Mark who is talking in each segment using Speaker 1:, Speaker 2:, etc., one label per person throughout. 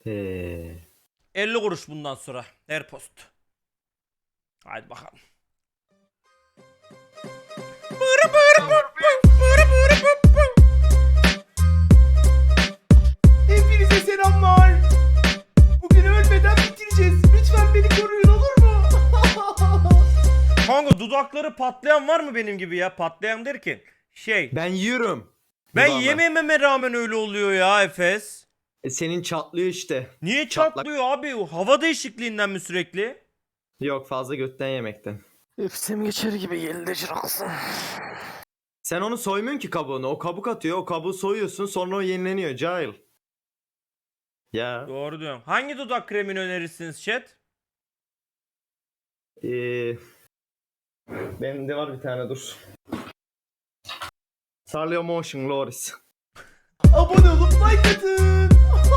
Speaker 1: He.
Speaker 2: 50 kuruş bundan sonra her post. Haydi bakalım.
Speaker 3: Hepinize selamlar. Bugün ölmeden bitireceğiz. Lütfen beni koruyun, olur mu?
Speaker 2: Kanka dudakları patlayan var mı benim gibi ya? Patlayan derken
Speaker 1: Ben yiyorum.
Speaker 2: ben
Speaker 1: Dudağıma.
Speaker 2: yemememe rağmen öyle oluyor ya Efes.
Speaker 1: Senin çatlıyor işte.
Speaker 2: Niye
Speaker 1: Çatlak.
Speaker 2: çatlıyor abi? Hava değişikliğinden mi sürekli?
Speaker 1: Yok, fazla götten yemekten.
Speaker 4: Üfsem geçer gibi geldi Jiraksın.
Speaker 1: Sen onu soymuyorsun ki kabuğunu. O kabuk atıyor. O kabuğu soyuyorsun. Sonra o yenileniyor. Cahil. Ya.
Speaker 2: Doğru diyorum. Hangi dudak kremini önerirsiniz chat?
Speaker 1: Benim de var bir tane, dur. Sarlio Motion Loris.
Speaker 3: Abone olup like atın.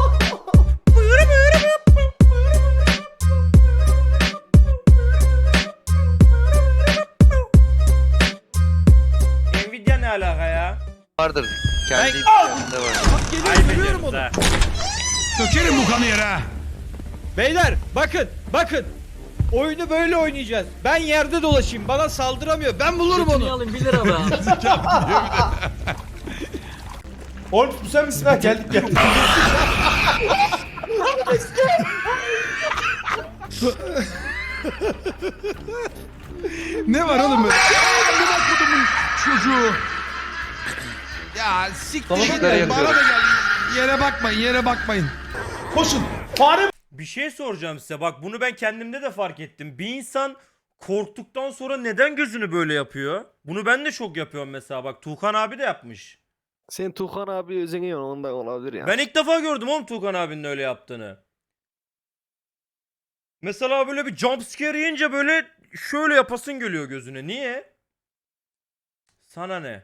Speaker 2: Nvidia ne alaka ya?
Speaker 5: Vardır. Kendi imkanında var.
Speaker 2: Kaybediyorum onu.
Speaker 6: Dökerim bu kanı yere ha.
Speaker 7: Beyler bakın. Oyunu böyle oynayacağız. Ben yerde dolaşayım. Bana saldıramıyor. Ben bulurum onu.
Speaker 4: Alayım 1 lira be.
Speaker 3: Oğlum bu sen misin ha? Geldik.
Speaker 6: Ne var oğlum? Amına kodumun çocuğu. Ya siktir git.
Speaker 5: Işıkları
Speaker 6: Bana
Speaker 5: yakıyorum.
Speaker 6: da gel. Yere bakmayın.
Speaker 3: Koşun. Fare
Speaker 2: Bir şey soracağım size. Bak bunu ben kendimde de fark ettim. Bir insan korktuktan sonra neden gözünü böyle yapıyor? Bunu ben de çok yapıyorum mesela. Bak Tuğkan abi de yapmış.
Speaker 4: Sen Tuğhan abi özeniyorsun ondan olabilir ya.
Speaker 2: Ben ilk defa gördüm oğlum Tuğkan abinin öyle yaptığını. Mesela böyle bir jump scare yiyince böyle şöyle yapasın geliyor gözüne. Niye? Sana ne?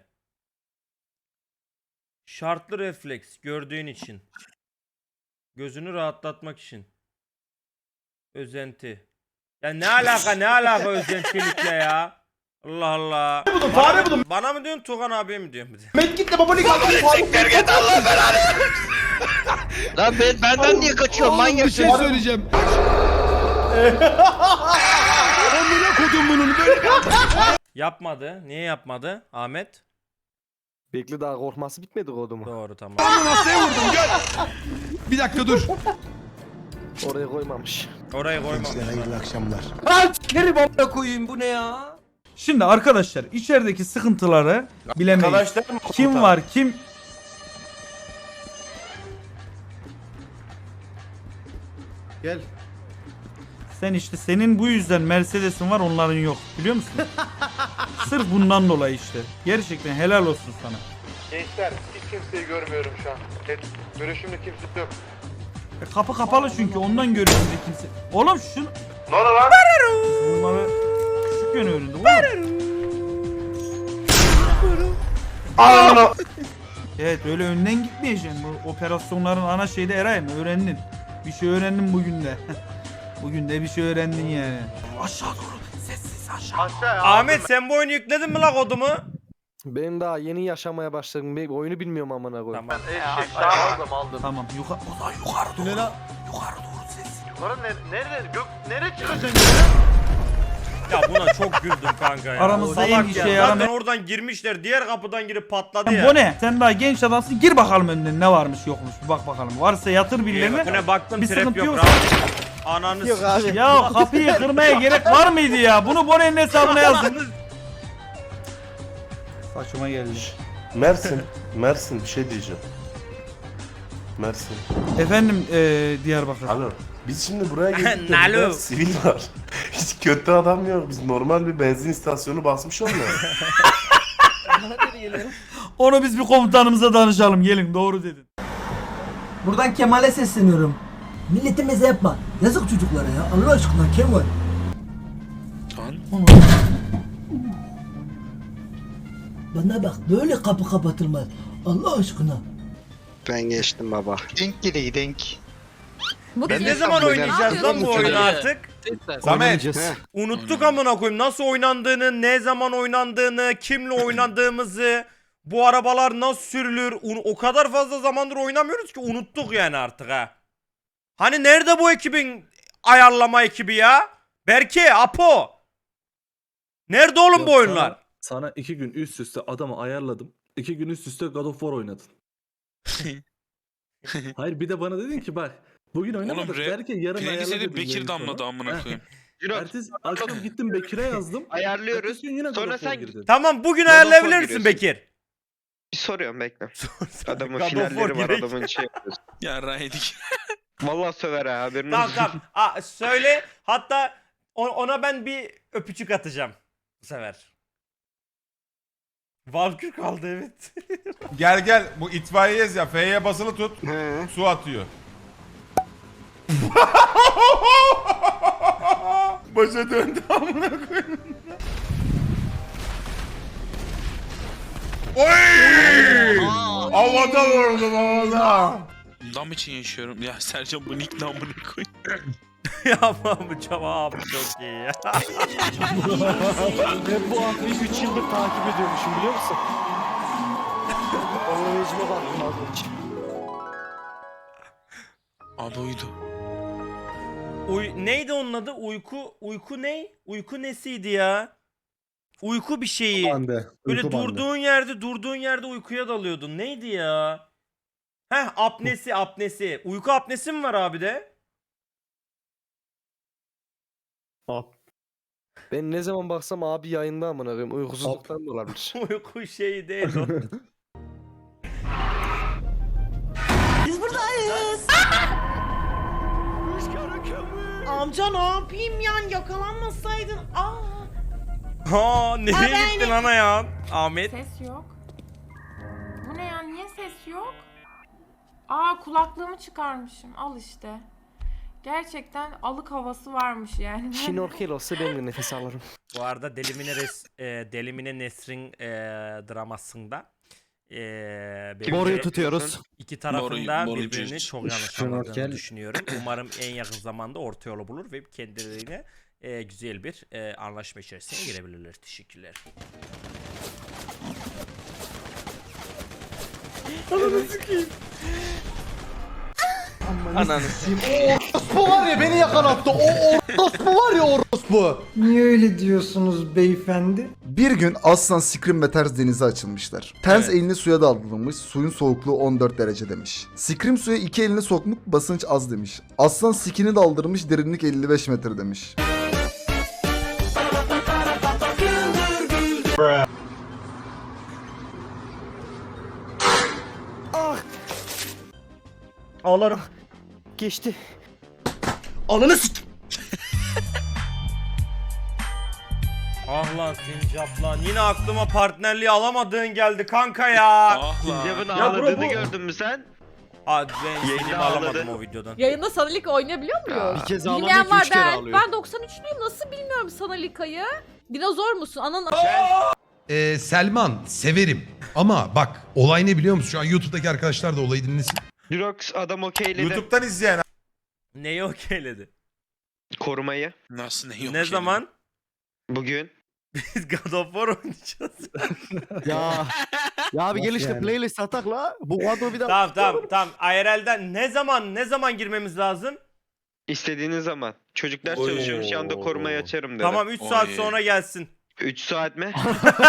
Speaker 2: Şartlı refleks gördüğün için. Gözünü rahatlatmak için. Özenti. Ya ne alaka özentilikle ya? Allah Allah.
Speaker 3: buldum, fare buldum.
Speaker 2: Bana mı diyorsun Tuğkan abiye mi diyorsun?
Speaker 3: Medkit'le babalık aldım.
Speaker 5: Lan benden niye kaçıyorsun
Speaker 6: Oğlum
Speaker 5: manyak?
Speaker 6: bir şey söyleyeceğim. Amına kodum bunun böyle bir...
Speaker 2: Yapmadı. Niye yapmadı Ahmet?
Speaker 4: Bekle daha korkması bitmedi kodumu.
Speaker 2: Doğru tamam.
Speaker 6: Masaya vurdum gel. Bir dakika dur.
Speaker 4: Oraya koymamış.
Speaker 2: Orayı koymam.
Speaker 6: Hayırlı akşamlar.
Speaker 7: Nereye bomba koyayım bu ne ya?
Speaker 8: Şimdi arkadaşlar içerideki sıkıntıları bilemeyiz. Kim var kim?
Speaker 1: Gel.
Speaker 8: Sen işte senin bu yüzden Mercedes'in var onların yok biliyor musun? Sırf bundan dolayı işte. Gerçekten helal olsun sana.
Speaker 9: Gençler hiç kimseyi görmüyorum şu an. Görüşümde kimse yok.
Speaker 8: Kapı kapalı çünkü ondan görüyorsun de kimse. Oğlum şunu
Speaker 9: Ne oldu lan?
Speaker 8: bunları küçük yön önünde oğlum. Evet öyle önden gitmeyeceksin. Bu operasyonların ana şeyi de Eray'ım öğrendin. Bir şey öğrendin bugün de. Bugün de bir şey öğrendin yani. Aşağı doğru sessiz aşağı.
Speaker 9: Aşağıya
Speaker 2: Ahmet sen bu oyunu yükledin mi la kodumu?
Speaker 4: Ben daha yeni yaşamaya başladım. Ben oyunu bilmiyorum amına koyayım.
Speaker 2: Tamam.
Speaker 9: aldım.
Speaker 8: Tamam o zaman yukarı doğru. Yukarı doğru sessiz.
Speaker 9: Yukarı nereye çıkacaksın?
Speaker 2: Ya buna çok güldüm kanka ya.
Speaker 8: Aramızda en
Speaker 2: Salak
Speaker 8: işe
Speaker 2: ya.
Speaker 8: yaramayan-
Speaker 2: Zaten oradan girmişler. Diğer kapıdan girip patladı ya.
Speaker 8: Bu ne? Sen daha genç adamsın. Gir bakalım önden ne varmış yokmuş. Bir bak bakalım. Varsa yatır birilerine.
Speaker 2: Bu ne baktım
Speaker 8: Bir
Speaker 2: trap
Speaker 8: sıkıntı
Speaker 2: yok.
Speaker 8: yok.
Speaker 2: Rahat. Ananı
Speaker 4: Yok abi.
Speaker 8: Ya kapıyı kırmaya gerek var mıydı ya? Bunu Bone'nin hesabına yazın. Saçıma geldi.
Speaker 9: Mersin bir şey diyeceğim. Mersin.
Speaker 8: Efendim Diyarbakır.
Speaker 9: Alo. Biz şimdi buraya geldik
Speaker 2: Nalo.
Speaker 9: de burada sivil var. Hiç kötü adam yok. Biz normal bir benzin istasyonu basmış olmuyor.
Speaker 8: Onu biz bir komutanımıza danışalım. Gelin doğru dedin.
Speaker 10: Buradan Kemal'e sesleniyorum. Milletimize yapma. Yazık çocuklara ya. Allah aşkına Kemal. Bana bak böyle kapı kapatılmaz. Allah aşkına.
Speaker 5: Ben geçtim baba. Denk geliyor denk.
Speaker 2: Biz ne zaman oynayacağız lan bu oyunu artık?
Speaker 1: Samet.
Speaker 2: Unuttuk amına koyayım nasıl oynandığını, ne zaman oynandığını, kimle oynadığımızı, bu arabalar nasıl sürülür. O kadar fazla zamandır oynamıyoruz ki unuttuk yani artık ha. Hani nerede bu ekibin ayarlama ekibi ya? Berke, Apo. Nerede oğlum bu oyunlar?
Speaker 11: Sana 2 gün üst üste adamı ayarladım. 2 gün üst üste God of War oynadın. Hayır bir de bana dedin ki bak bugün oynamadık. Belki yarın ayarla dedin. Bekir damladı amına koyayım. Ertesi akşam gittim Bekir'e yazdım.
Speaker 5: Ayarlıyoruz.
Speaker 11: Ertesi gün yine God
Speaker 5: Sonra
Speaker 11: of War
Speaker 5: sen-
Speaker 11: girdin.
Speaker 2: Tamam bugün
Speaker 5: God of War
Speaker 2: ayarlayabilir misin
Speaker 5: giriyorsun.
Speaker 2: Bekir?
Speaker 5: Bir soruyorum bekle. Adamın
Speaker 2: God of War
Speaker 5: finalleri var
Speaker 2: gerek.
Speaker 5: adamın şey yapıyorsun.
Speaker 6: Ya Raydik.
Speaker 5: Vallahi söver ha haberin
Speaker 2: Tamam
Speaker 5: olsun.
Speaker 2: tamam. Söyle hatta ona ben bir öpücük atacağım bu sefer. Valkür kaldı evet.
Speaker 3: Gel bu itfaiyeyez ya. F'ye basılı tut. Su atıyor. Başa döndü amına koyayım. Oy! Havada vurdum havada.
Speaker 6: Dam için yaşıyorum. Ya Sercan bu nick namını koy.
Speaker 2: Yapma bu cevap çok iyi ya.
Speaker 4: Ben bu akıyı 3 yıldır takip ediyormuşum biliyor musun? Onun rejime baktım az önce.
Speaker 6: Abi uydu.
Speaker 2: Neydi onun adı? Uyku ne? Uyku nesiydi ya? Uyku bir şeyi. Böyle durduğun yerde uykuya dalıyordun. Neydi ya? Heh apnesi. Uyku apnesi mi var abi de?
Speaker 4: Ben ne zaman baksam abi yayında amına koyayım. Uykusuzluktan da olabilir.
Speaker 2: Uyku şeyi değil o.
Speaker 10: Biz buradayız.
Speaker 3: Amca ne yapayım yani yakalanmasaydın.
Speaker 2: Nereye gittin ana ya? Ahmet.
Speaker 12: Ses yok. Bu ne ya? Niye ses yok? Kulaklığımı çıkarmışım. Al işte. Gerçekten alık havası varmış yani.
Speaker 4: Şnorkel olsa ben de nefes alırım.
Speaker 2: Bu arada Delimine Nesrin dramasında
Speaker 1: Boruyu tutuyoruz.
Speaker 2: İki tarafında
Speaker 6: Boru
Speaker 2: birbirini
Speaker 6: cüz.
Speaker 2: çok yanlış anladığını düşünüyorum. Umarım en yakın zamanda orta yolu bulur ve kendilerine güzel bir anlaşma içerisine girebilirler. Teşekkürler.
Speaker 5: Ananı
Speaker 3: Bu var ya beni yakalattı. O orospu var ya orospu.
Speaker 10: Niye öyle diyorsunuz beyefendi?
Speaker 11: Bir gün Aslan, Scream ve Ters denize açılmışlar. Ters
Speaker 2: Evet.
Speaker 11: elini suya daldırmış, suyun soğukluğu 14 derece demiş. Scream suya 2 elini sokmuş, basınç az demiş. Aslan Skin'i daldırmış, derinlik 55 metre demiş.
Speaker 2: Ağlarım.
Speaker 4: Geçti.
Speaker 3: Ananı sik.
Speaker 2: Ah lan Sincap lan. Yine aklıma partnerliği alamadığın geldi kanka ya.
Speaker 6: Ah lan.
Speaker 5: Sincap'ın
Speaker 2: Ya
Speaker 5: ağladığını
Speaker 2: bu-
Speaker 5: gördün mü sen?
Speaker 2: Hadi ben
Speaker 5: Yayında
Speaker 2: seni alamadım
Speaker 5: ağladı.
Speaker 2: o videodan.
Speaker 12: Yayında Sanalika oynayabiliyor muyuz?
Speaker 1: Bir kez
Speaker 12: Bilmeyen
Speaker 1: ağlamıyor ki
Speaker 12: var
Speaker 1: 3 kere
Speaker 12: ben.
Speaker 1: ağlıyor.
Speaker 12: Ben 93'lüyüm nasıl bilmiyorum Sanalika'yı. Dinozor musun? Anan
Speaker 3: Selman severim. Ama bak olay ne biliyor musun? Şu an YouTube'daki arkadaşlar da olayı dinlesin.
Speaker 5: Jirox adam okeyledi
Speaker 3: YouTube'dan izleyen
Speaker 2: Neyi okeyledi?
Speaker 5: korumayı.
Speaker 6: Nasıl ne yok
Speaker 2: Ne
Speaker 6: şey?
Speaker 2: zaman?
Speaker 5: Bugün.
Speaker 2: Biz God of War oynayacağız.
Speaker 1: Ya abi gel işte playlist atak la. Bu kadro bir daha.
Speaker 2: Tamam. IRL'den ne zaman girmemiz lazım?
Speaker 5: İstediğiniz zaman. Çocuklar
Speaker 2: Oy.
Speaker 5: çalışıyormuş yanında korumayı açarım dedi.
Speaker 2: Tamam 3 saat
Speaker 6: Oy.
Speaker 2: sonra gelsin.
Speaker 5: 3 saat mi?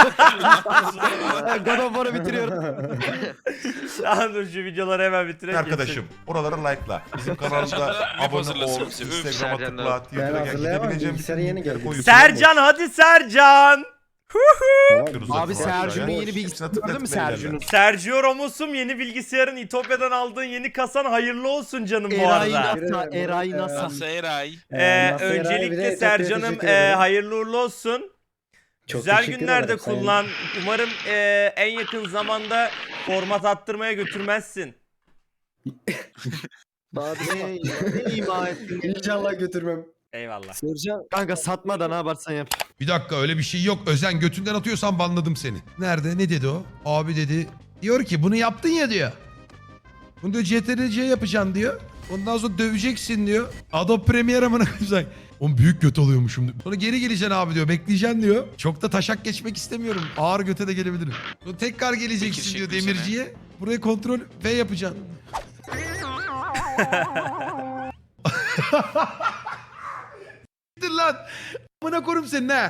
Speaker 1: God of War'ı bitiriyorum.
Speaker 2: Tamam dur şu videoları hemen bitirelim.
Speaker 3: arkadaşım oraları like'la. Bizim kanalımıza
Speaker 6: Sercan,
Speaker 3: abone
Speaker 6: hazırlasın
Speaker 3: ol.
Speaker 6: bizi.
Speaker 3: Instagram'a
Speaker 5: Sercan,
Speaker 3: tıkla. Twitter'a gel. Gidebileceğim bütün linkleri koyuyorsun.
Speaker 2: Sercan hadi Sercan.
Speaker 1: Abi Sercan'ın yeni bilgisayarı değil mi Sercan'ın?
Speaker 2: Sergio Ramos'um yeni bilgisayarın İtopya'dan aldığın yeni kasan hayırlı olsun canım bu arada.
Speaker 1: Eray NASA.
Speaker 6: Nasıl Eray?
Speaker 2: Öncelikle Sercan'ım hayırlı uğurlu olsun. Güzel günlerde kullan. Umarım en yakın zamanda format attırmaya götürmezsin.
Speaker 4: Abi
Speaker 1: Ne ima ettin?
Speaker 10: İnşallah götürmem.
Speaker 2: Eyvallah.
Speaker 4: Sercan
Speaker 1: Kanka satma da ne yaparsan yap.
Speaker 3: Bir dakika öyle bir şey yok. Özen götünden atıyorsan banladım seni. Nerede? Ne dedi o? Abi dedi. Diyor ki bunu yaptın ya diyor. Bunu diyor CTRL-C yapacaksın diyor. Ondan sonra döveceksin diyor. Adobe Premiere amına koyacak. Oğlum büyük göt oluyormuşum. Sonra geri geleceksin abi diyor. Bekleyeceksin diyor. Çok da taşak geçmek istemiyorum. Ağır göte de gelebilirim. Sonra tekrar geleceksin
Speaker 6: Fikir
Speaker 3: diyor
Speaker 6: çekmiş
Speaker 3: demirciye. Buraya kontrol V yapacaksın. Gittin lan. Amına korum senin ha.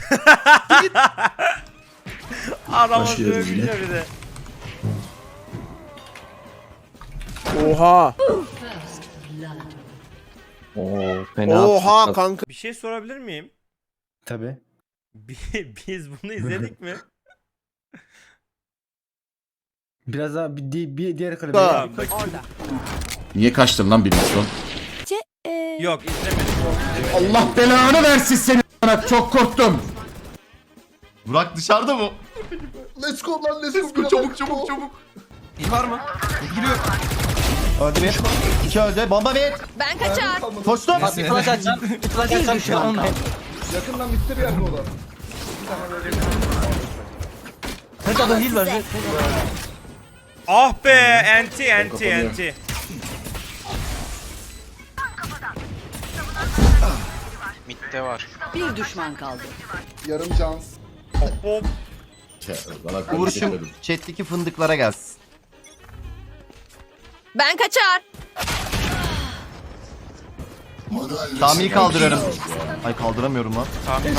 Speaker 2: Adamı dövmüşler bir de.
Speaker 6: Oha. Oha kanka.
Speaker 2: Bir şey sorabilir miyim?
Speaker 1: Tabii.
Speaker 2: Biz bunu izledik mi?
Speaker 1: Biraz daha bir diğer klibe.
Speaker 2: Tamam, bak.
Speaker 6: Niye kaçtın lan bir milyon?
Speaker 2: Yok izlemedim.
Speaker 6: Allah belanı versin seni. Çok korktum.
Speaker 9: Burak dışarıda mı?
Speaker 11: Let's go lan let's
Speaker 9: Let's
Speaker 11: go.
Speaker 9: go çabuk çabuk çabuk.
Speaker 1: Var mı?
Speaker 9: Giriyor. Öldü bir. İki öldü. Bomba bir.
Speaker 12: Ben kaçar.
Speaker 9: Koştum.
Speaker 4: Bir flash atacağım. Bir flash atacağım şu an.
Speaker 11: Yakından bitti bir yerde o da.
Speaker 4: Tek adam değil bence.
Speaker 2: Ah be enti.
Speaker 5: Mitte var.
Speaker 12: Bir düşman kaldı.
Speaker 11: Yarım cans.
Speaker 2: Hop.
Speaker 9: Vuruşum chat'teki fındıklara gelsin.
Speaker 12: Ben kaçar.
Speaker 9: Sami'yi kaldırıyorum. Ay kaldıramıyorum lan.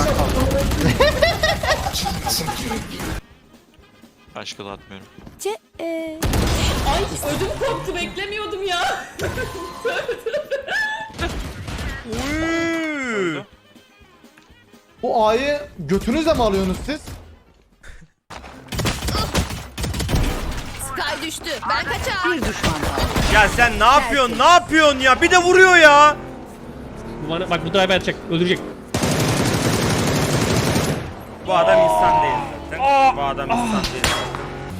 Speaker 5: Başka da atmıyorum.
Speaker 12: Ay ödüm koptu beklemiyordum ya.
Speaker 2: Uy.
Speaker 11: Bu A'yı götünüzle mi alıyorsunuz siz?
Speaker 12: Sky düştü. Ben kaçar. Bir düşman kaldı.
Speaker 2: Ya sen ne yapıyorsun? Ne yapıyorsun ya? Bir de vuruyor ya.
Speaker 7: Bak bu drive atacak. Öldürecek.
Speaker 2: Bu adam insan değil zaten. Bu adam insan değil zaten.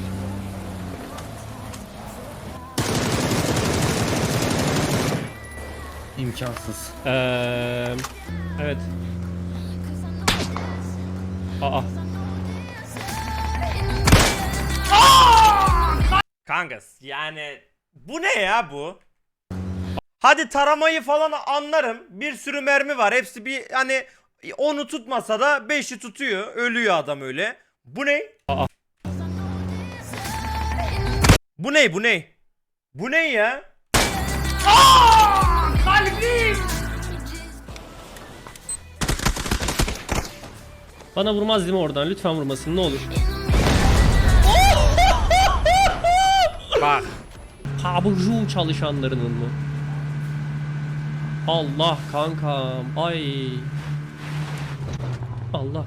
Speaker 1: İmkansız.
Speaker 7: Evet. Aa.
Speaker 2: Kankas yani bu ne ya bu? Hadi taramayı falan anlarım. Bir sürü mermi var. Hepsi bir hani onu tutmasa da 5'i tutuyor. Ölüyor adam öyle. Bu ne?
Speaker 7: Aa.
Speaker 2: Bu ne? Bu ne? Bu ne ya?
Speaker 7: Bana vurmaz değil mi oradan? Lütfen vurmasın ne olur.
Speaker 2: Bak.
Speaker 7: Taburcu çalışanlarının mı? Allah kankam. Ay. Allah.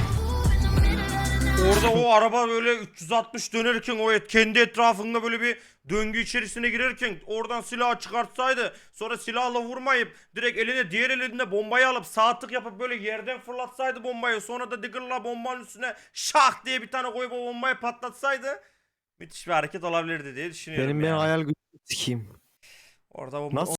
Speaker 2: Orada o araba böyle 360 dönerken o kendi etrafında böyle bir döngü içerisine girerken oradan silahı çıkartsaydı sonra silahla vurmayıp direkt eline diğer elinde bombayı alıp sağ tık yapıp böyle yerden fırlatsaydı bombayı sonra da Diggle'la bombanın üstüne şak diye bir tane koyup o bombayı patlatsaydı müthiş bir hareket olabilirdi diye düşünüyorum.
Speaker 1: Benim
Speaker 2: yani.
Speaker 1: hayal gücüm sikeyim.
Speaker 2: Orada
Speaker 1: Nasıl